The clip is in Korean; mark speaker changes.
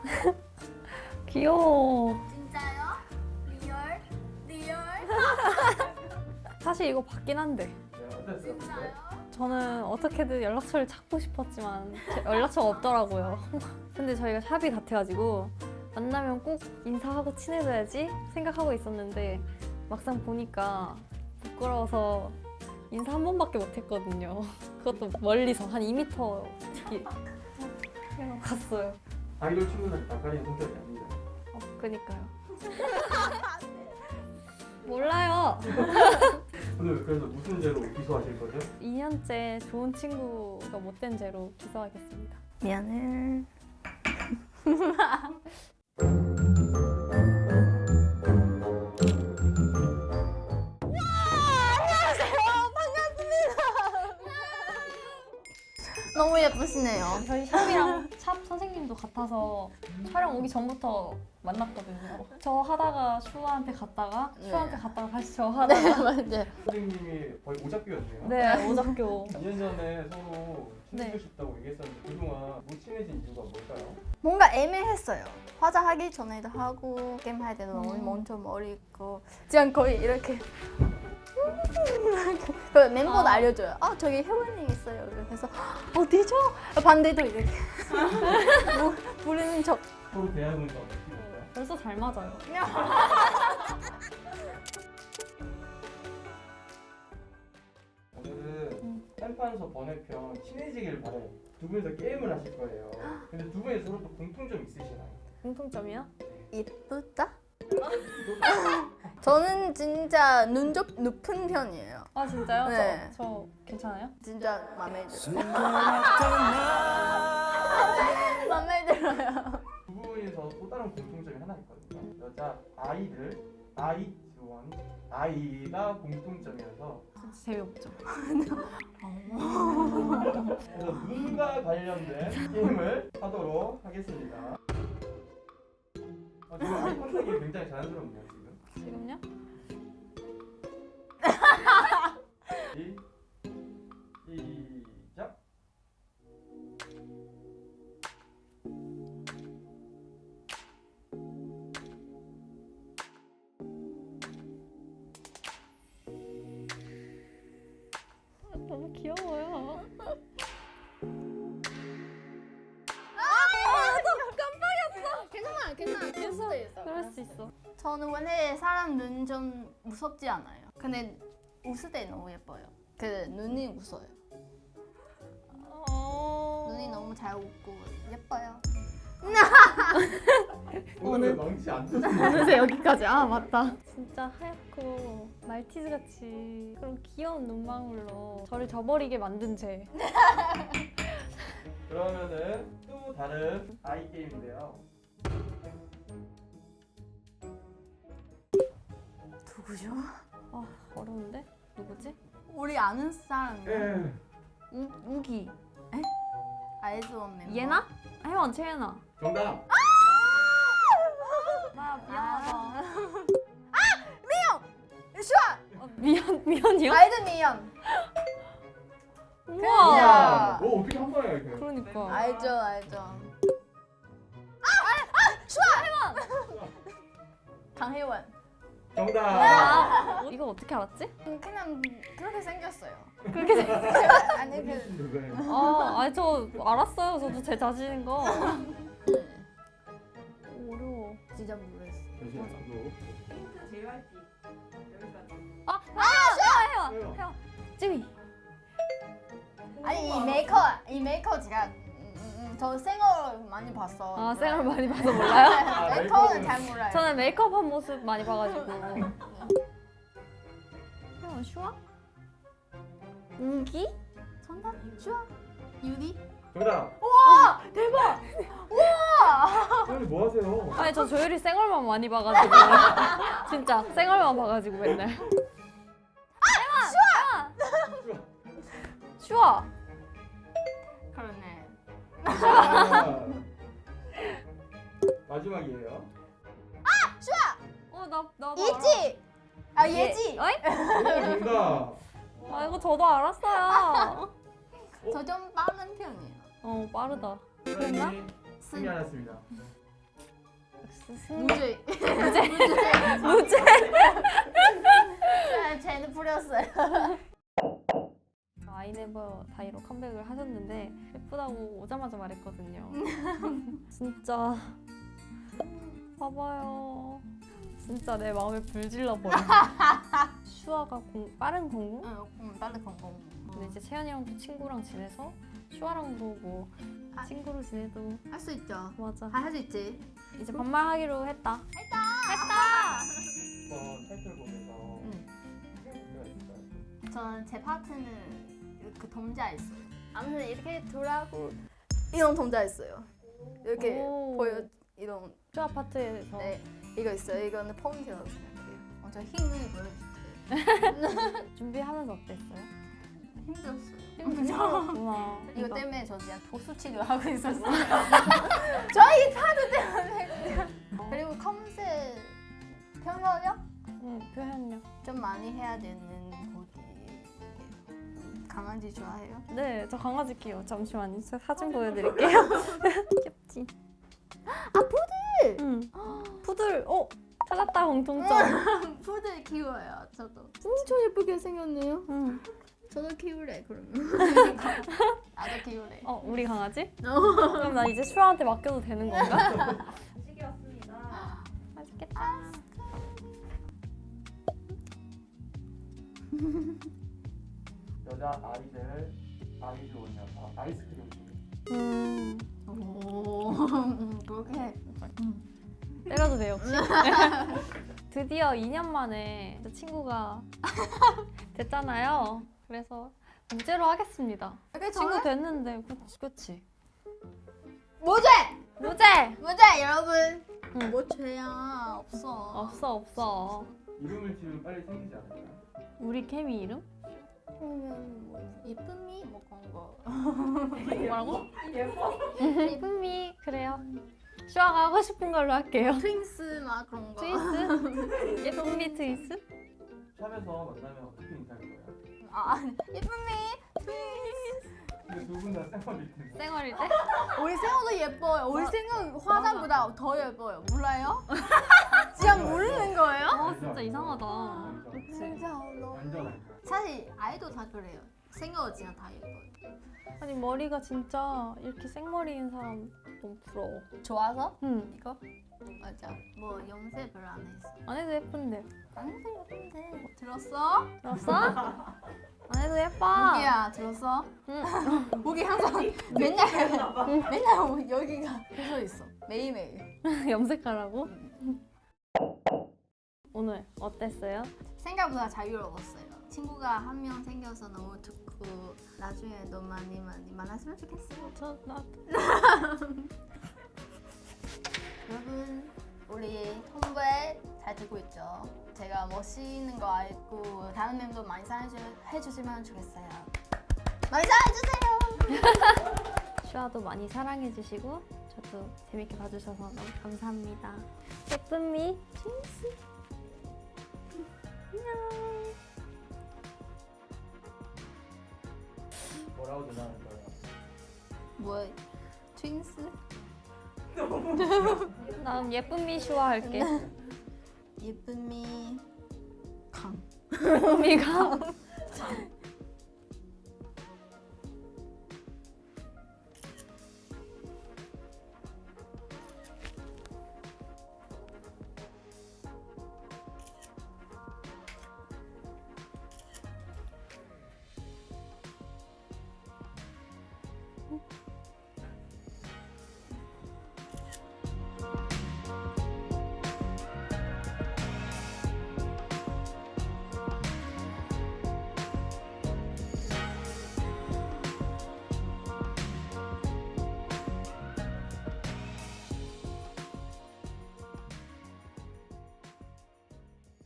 Speaker 1: 귀여워.
Speaker 2: 진짜요? 리얼? 리얼?
Speaker 1: 사실 이거 받긴 한데.
Speaker 3: 네, 어땠어요?
Speaker 2: 진짜요?
Speaker 1: 저는 어떻게든 연락처를 찾고 싶었지만 연락처가 없더라고요. 근데 저희가 샵이 같아가지고 만나면 꼭 인사하고 친해져야지 생각하고 있었는데 막상 보니까 부끄러워서 인사 한 번밖에 못했거든요. 그것도 멀리서 한 2m 뒤 그냥 갔어요.
Speaker 3: 아이돌 친구들 낯가리는 성격이 아니다.
Speaker 1: 그니까요. 몰라요.
Speaker 3: 오늘 그래서 무슨 죄로 기소하실 거죠?
Speaker 1: 2년째 좋은 친구가 못된 죄로 기소하겠습니다.
Speaker 2: 미안해. 너무 예쁘시네요.
Speaker 1: 저희 샵이랑 샵 선생님도 같아서 촬영 오기 전부터 만났거든요. 저 하다가 슈아한테 갔다가
Speaker 2: 네.
Speaker 1: 슈아한테 갔다가 다시 저
Speaker 2: 네,
Speaker 1: 하다가
Speaker 2: 맞아요.
Speaker 3: 선생님이 거의 오작교였네요.
Speaker 1: 네 오작교.
Speaker 3: 2년 전에 서로 친해지고
Speaker 1: 네.
Speaker 3: 싶다고 얘기했었는데 그동안 못 친해진 이유가 뭘까요?
Speaker 2: 뭔가 애매했어요. 화장하기 전에도 하고 게임 할 때도 너무 먼저 머리 있고 그냥 거의 이렇게 그 멤버도
Speaker 1: 아.
Speaker 2: 알려줘요. 아 저기 혜원이 있어요. 그래서 어디죠? 반대도 이렇게 부르는 척.
Speaker 3: 서로 대화해본 적 없으실까요?
Speaker 1: 벌써 잘 맞아요.
Speaker 3: 오늘은 한판서 번외편 친해지길 바래요. 두 분이서 게임을 하실 거예요. 근데 두 분이 서로 또 공통점 있으시나요?
Speaker 1: 공통점이요?
Speaker 2: 예쁘다? 저는 진짜 눈썹 높은 편이에요.
Speaker 1: 아 진짜요?
Speaker 2: 네.
Speaker 1: 저 괜찮아요?
Speaker 2: 진짜 마음에 들어요. 마음에 들어요.
Speaker 3: 두 분이서 또 다른 공통점이 하나 있거든요. 여자 아이들, 아이 지원, 아이가 공통점이어서
Speaker 1: 진짜 재미없죠.
Speaker 3: 그래서 눈과 관련된 게임을 하도록 하겠습니다. 지금 아이 컨택이 굉장히 자연스럽네요 지금.
Speaker 1: 지금요?
Speaker 3: 시작.
Speaker 1: 너무 귀여워요.
Speaker 2: 괜찮아. 그럴 수도 있어.
Speaker 1: 그럴 수 있어.
Speaker 2: 저는 원래 사람 눈 좀 무섭지 않아요. 근데 웃을 때 너무 예뻐요. 그 눈이 웃어요. 눈이 너무 잘 웃고 예뻐요.
Speaker 3: 오늘 망치 안 쳤어요.
Speaker 1: 어느새 여기까지. 아 맞다. 진짜 하얗고 말티즈 같이 그런 귀여운 눈망울로 저를 저버리게 만든 죄.
Speaker 3: 그러면은 또 다른 아이 게임인데요.
Speaker 2: 누구죠?
Speaker 1: 아 어려운데? 누구지?
Speaker 2: 우리 아는 사람이요.
Speaker 3: 예.
Speaker 2: 우기. 에? 아이즈원 멤버.
Speaker 1: 예나? 혜원 채예나.
Speaker 3: 정답.
Speaker 1: 나 미안하다.
Speaker 2: 슈아!
Speaker 1: 미연이요?
Speaker 2: 아이즈 미연.
Speaker 1: 우와.
Speaker 2: 야.
Speaker 3: 뭐 어떻게 한 번에 이렇게?
Speaker 1: 그러니까.
Speaker 2: 알죠. 강혜원.
Speaker 3: 정답.
Speaker 1: 이거 어떻게 알았지?
Speaker 2: 그냥 그렇게 생겼어요.
Speaker 1: 그렇게
Speaker 2: 아니 그
Speaker 3: 누구예요?
Speaker 1: 아니 저 알았어요. 저도 제 자신인 거. 어려워.
Speaker 2: 진짜 모르겠어.
Speaker 3: 잠시만요.
Speaker 1: 혜원. 쯔위.
Speaker 2: 아니 이 메이커 제가 저 생얼 많이 봤어.
Speaker 1: 아 쌩얼 많이 봐서 몰라요?
Speaker 2: 메이커는 잘 몰라요.
Speaker 1: 저는 메이크업한 모습 많이 봐가지고. 혜원 슈아? 우기?
Speaker 2: 정답? 슈아? 유리?
Speaker 3: 정답.
Speaker 2: 와 대박!
Speaker 3: 선생님 뭐 하세요?
Speaker 1: 아니 저 조율이 쌩얼만 많이 봐가지고. 진짜 쌩얼만 봐가지고 맨날. 슈아!
Speaker 2: 그러네.
Speaker 3: 자, 마지막이에요.
Speaker 1: 나
Speaker 2: 예지! 아 예지!
Speaker 1: 어이?
Speaker 3: 정답.
Speaker 1: 아 이거 저도 알았어요.
Speaker 2: 저 좀 빠른 편이에요.
Speaker 1: 빠르다.
Speaker 3: 선생님이 승리하셨습니다.
Speaker 2: 무죄.
Speaker 1: 무죄.
Speaker 2: 쟤는 부렸어요.
Speaker 1: 아이네버 다이로 컴백을 하셨는데 예쁘다고 오자마자 말했거든요. 진짜 봐봐요. 진짜 내 마음에 불질러 버려. 슈아가 빠른 공부?
Speaker 2: 응, 빨리 건공.
Speaker 1: 근데 이제 채연이랑도 친구랑 지내서 슈아랑도 뭐
Speaker 2: 아.
Speaker 1: 친구로 지내도
Speaker 2: 할수 있죠.
Speaker 1: 맞아.
Speaker 2: 할 수 있지.
Speaker 1: 이제 반말하기로 했다.
Speaker 3: 이번 타이틀곡에서
Speaker 2: 응.
Speaker 3: 노래가 있을까요?
Speaker 2: 저는 제 파트는 그 동자 있어요. 아무튼 이렇게 돌아고 이런 동자 있어요. 이렇게
Speaker 1: 오.
Speaker 2: 보여 이런.
Speaker 1: 슈아 파트에서
Speaker 2: 네, 이거 있어요. 이거는 폼이라고 생각해요. 저 힘을 보여줄게요.
Speaker 1: 준비하면서 어땠어요?
Speaker 2: 힘들었어요.
Speaker 1: 힘들었구나.
Speaker 2: 이거 때문에 저 그냥 도수 치료하고 있었어요. 저희 파트 때문에. 그리고 컨셉 표현력
Speaker 1: 응, 표현력.
Speaker 2: 좀 많이 해야 되는 곡이. 강아지 좋아해요?
Speaker 1: 네, 저 강아지 키워. 잠시만요. 저 사진 보여드릴게요. 귀엽지?
Speaker 2: 아, 푸들!
Speaker 1: 응. 푸들. 찾았다 공통점.
Speaker 2: 푸들 키워요. 저도. 엄청 예쁘게 생겼네요.
Speaker 1: 응.
Speaker 2: 저도 키울래 그러면. 나도 키울래.
Speaker 1: 우리 강아지? 그럼 나 이제 슈아한테 맡겨도 되는 건가?
Speaker 4: 시기였습니다.
Speaker 1: 맛있겠다.
Speaker 3: 여자 아이들 아이즈원이어서 아이스크림 중에
Speaker 1: 오.
Speaker 2: 그렇게.
Speaker 1: 때려도 돼요 혹시? 드디어 2년 만에 저 친구가 됐잖아요. 그래서 무죄로 하겠습니다. 친구 됐는데 그치?
Speaker 2: 무죄!
Speaker 1: 무죄!
Speaker 2: 무죄 여러분.
Speaker 1: 응.
Speaker 2: 뭐 죄야 없어.
Speaker 1: 없어.
Speaker 3: 이름을 지으면 빨리 생기지 않을까요?
Speaker 1: 우리 케미 이름?
Speaker 2: 뭐 이쁨이 뭐 그런 거.
Speaker 1: 뭐라고?
Speaker 4: 예뻐.
Speaker 1: 예쁨이 그래요. 슈아가 하고 싶은 걸로 할게요.
Speaker 2: 트윙스 막 그런 거.
Speaker 1: 트위스? 예쁨이 트위스?
Speaker 3: 샵에서 만나면 어떻게 인사할 거예요?
Speaker 2: 아 이쁨이 트윙스.
Speaker 3: 근데 두 분 다 생얼일 텐데.
Speaker 1: 쌩얼일 때?
Speaker 2: 우리 생얼도 예뻐요. 우리 생얼 화장보다 더 예뻐요. 몰라요? 진짜 모르는 거예요?
Speaker 1: 진짜 이상하다.
Speaker 3: 완전
Speaker 2: 진짜
Speaker 3: 완전 알죠.
Speaker 2: 사실 아이도 다 그래요. 생얼 진짜 다 예뻐요.
Speaker 1: 아니 머리가 진짜 이렇게 생머리인 사람 너무 부러워.
Speaker 2: 좋아서?
Speaker 1: 응.
Speaker 2: 이거? 맞아. 뭐 염색 별로 안 했어.
Speaker 1: 안 해도 예쁜데.
Speaker 2: 안 해도 예쁜데. 들었어?
Speaker 1: 들었어? 안 해도 예뻐.
Speaker 2: 무기야 들었어?
Speaker 1: 응.
Speaker 2: 무기 항상 맨날 여기가 펴져 있어. 매일매일.
Speaker 1: 염색하라고? 오늘 어땠어요?
Speaker 2: 생각보다 자유로웠어요. 친구가 한 명 생겨서 너무 좋고 나중에 너 많이 만났으면 좋겠어요. 여러분 우리 톰보이 잘 듣고 있죠? 제가 멋있는 거 알고 다른 멤버 많이 사랑해주시면 좋겠어요. 많이 사랑해주세요.
Speaker 1: 슈아도 많이 사랑해주시고 저도 재밌게 봐주셔서 너무 감사합니다. 예쁨이 트윈스 안녕.
Speaker 3: 뭐라고 전화할 거예요?
Speaker 2: 뭐 트윈스?
Speaker 1: 다음 예쁨이 슈아 할게.
Speaker 2: 예쁨이 강.
Speaker 1: 예쁨이가